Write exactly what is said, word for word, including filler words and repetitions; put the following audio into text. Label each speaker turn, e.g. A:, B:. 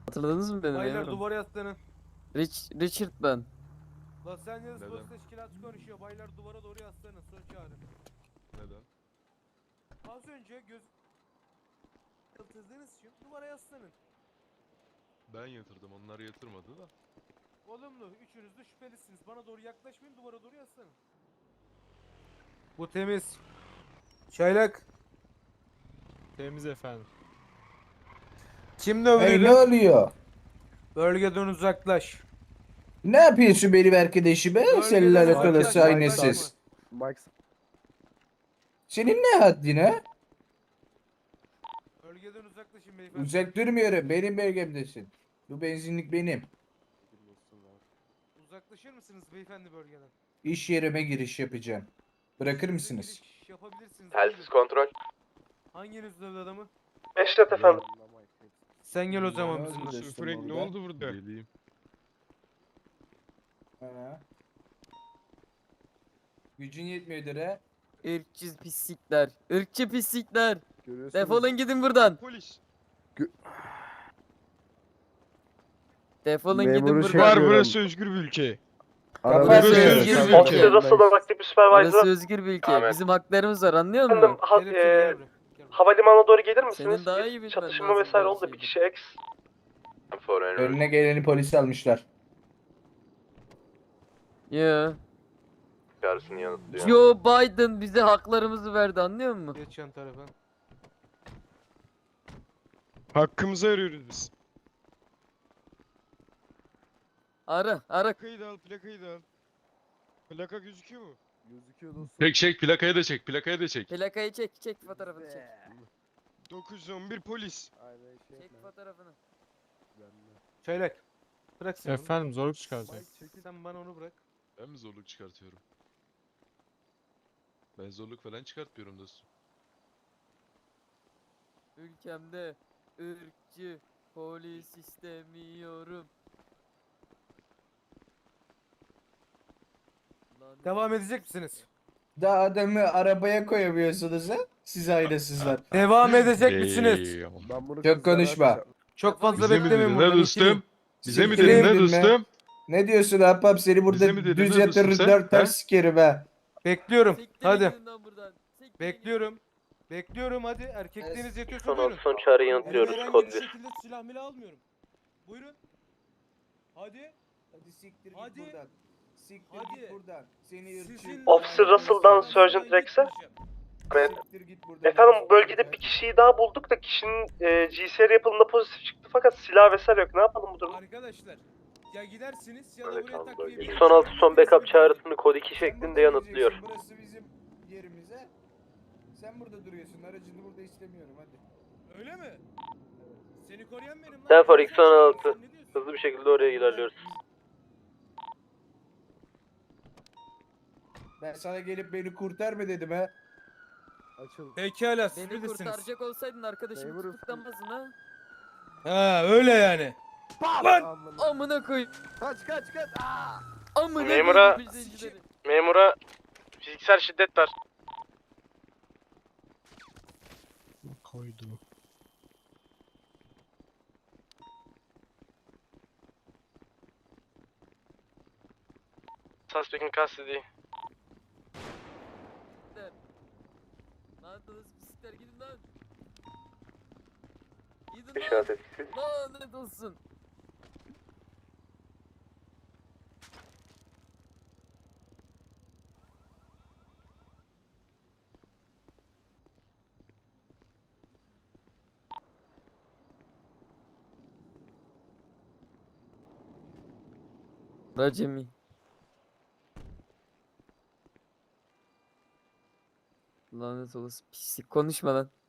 A: Hatırladınız mı beni?
B: Baylar
A: memurum?
B: duvara yaslanın.
A: Rich, Richard ben.
B: Los Angeles
C: Neden?
B: Polis Teşkilatı konuşuyor. Baylar duvara doğru yaslanın. Son çağrı.
C: Neden?
B: Az önce göz yatırdığınız için duvara yaslanın.
C: Ben yatırdım, onlar yatırmadı da.
B: Olumlu. Üçünüz de şüphelisiniz. Bana doğru yaklaşmayın. Duvara doğru yaslanın. Bu temiz. Çaylak.
D: Temiz efendim.
B: Kim
E: Hey, ne
B: dövdüydü?
E: oluyor?
B: Bölgeden uzaklaş.
E: Ne yapıyorsun benim arkadaşıma?
B: Bölgeden
E: Senin lanet
B: uzaklaş,
E: olası
B: yaklaşma.
E: aynasız. Senin ne haddin ha?
B: Bölgeden uzaklaşın beyefendi.
E: Uzak durmuyorum. Benim bölgemdesin. Bu benzinlik benim.
B: Uzaklaşır mısınız beyefendi bölgeden?
E: İş yerime giriş yapacağım. Bırakır
B: Size
E: mısınız?
B: giriş Yapabilirsiniz.
F: Telsiz
B: Buyurun.
F: kontrol.
B: Hanginiz dövdü adamı?
F: Eşref efendim.
B: Sen gel o zaman
E: Ne
B: bizimle.
E: oldu?
D: Sir Frank ne oldu burada?
C: Geleyim.
E: Ha. Gücün yetmiyordur ha?
A: Irkçı pislikler. Irkçı pislikler. Defolun gidin buradan.
D: Polis.
A: Defolun gidin
G: Memuru
A: buradan.
G: şey
D: Var
G: yapıyorum.
D: burası özgür bir ülke.
A: Burası
D: Burası
A: özgür
D: özgür
A: bir
D: bir
A: ülke.
F: Officer Russell'dan aktif bir supervisor.
A: Burası özgür bir ülke.
F: Ahmet.
A: Bizim haklarımız var, anlıyor
F: Efendim
A: musun?
F: ha,
B: Kelepçeli
F: e,
B: gel buraya. Gel buraya.
F: havalimanına doğru gelir misiniz?
A: Senin daha
F: Bir
A: iyi bilmen
F: çatışma
A: lazım
F: vesaire
A: böyle
F: oldu. Bir
A: şeyleri.
F: kişi ex.
E: Önüne geleni polis almışlar.
A: Yo.
F: Çağrısını yanıtlıyor.
A: Joe Biden bize haklarımızı verdi, anlıyor musun?
B: Geç yan tarafa.
D: Hakkımızı arıyoruz biz.
A: Ara, ara.
D: Plakayı da al, plakayı da al. Plaka gözüküyor mu?
G: Gözüküyor dostum.
C: Çek çek, plakayı da çek, plakayı da çek.
A: Plakayı çek, çek fotoğrafını çek.
D: dokuz yüz on bir polis.
G: Aynen şey
A: Çek
G: yapma.
A: fotoğrafını.
G: Ben de.
B: Çaylak. Bırak sen onu.
D: Efendim zorluk çıkaracak.
B: Çekil. Sen bana onu bırak.
C: Ben mi zorluk çıkartıyorum? Ben zorluk falan çıkartmıyorum dostum.
A: Ülkemde ırkçı polis istemiyorum. Lanet
B: Devam
A: olsun.
B: edecek misiniz?
E: Daha adamı arabaya koyamıyorsunuz ha? Siz ailesizler.
B: Devam edecek misiniz?
C: Eyvallah.
G: Ben bunu
E: Çok
G: kızlara
E: konuşma.
G: atacağım.
B: Çok fazla
C: Bize mi
B: beklemeyin
C: dedin
B: burada.
C: ne dostum? Bize mi
E: Siktir
C: dedin ne
E: edin be.
C: dostum?
E: Ne diyorsun ahbap, seni burada
C: Bize mi dedin,
E: düz
C: ne
E: yatırır
C: diyorsun sen?
E: dört
C: He?
E: ters sikerim ha.
B: Bekliyorum.
A: Siktirin
B: Hadi.
A: gidin lan buradan. Siktirin
B: Bekliyorum. Bekliyorum hadi. Erkekliğiniz yetiyorsa
F: Son,
B: buyurun.
F: son çağrı
B: Elime
F: yanıtlıyoruz.
B: herhangi
F: Kod
B: bir
F: bir.
B: şekilde silah milah almıyorum. Buyurun. Hadi.
E: Hadi siktir
B: Hadi.
E: git buradan. Siktir
B: Hadi.
E: git buradan. Seni ırkçı.
B: Sizin-
F: Officer Russell'dan Sergeant Rex'e. Evet.
E: Siktir git buradan.
F: Efendim bölgede bir kişiyi daha bulduk da kişinin e, G C R yapılımında pozitif çıktı fakat silah vesaire yok. Ne yapalım bu durumda?
B: Arkadaşlar ya gidersiniz ya da
F: Öyle
B: buraya
F: kaldı
B: takviye
F: bölge.
B: bir-
F: Son altı son backup çağrısını kod iki
E: Sen
F: şeklinde
E: burada
F: yanıtlıyor.
E: duracaksın, burası bizim yerimiz ha. Sen burada duruyorsun. Aracını burada istemiyorum hadi.
B: Öyle mi? Seni koruyan benim lan.
F: Telfor
B: Sen
F: X on altı.
B: ne diyorsun?
F: Hızlı bir şekilde oraya ilerliyoruz.
E: Ben sana gelip beni kurtar mı dedim ha.
G: Açıl.
B: Pekala siz
A: Beni
B: bilirsiniz.
A: kurtaracak olsaydın arkadaşımı
G: Memurum.
A: tutuklamazdın ha.
B: Ha öyle yani.
G: Amına.
A: Amına koy.
G: Kaç kaç kaç. Aa!
A: Amına
F: Memura-
A: koyayım izleyicileri.
F: Memura fiziksel şiddet var.
D: Koydu.
F: Suspect'in kastediği.
A: Lanet olası pislikler, gidin lan. Gidin lan.
F: İşaret etkisiz.
A: Lanet olsun. Racemi. Lanet olası pislik, konuşma lan.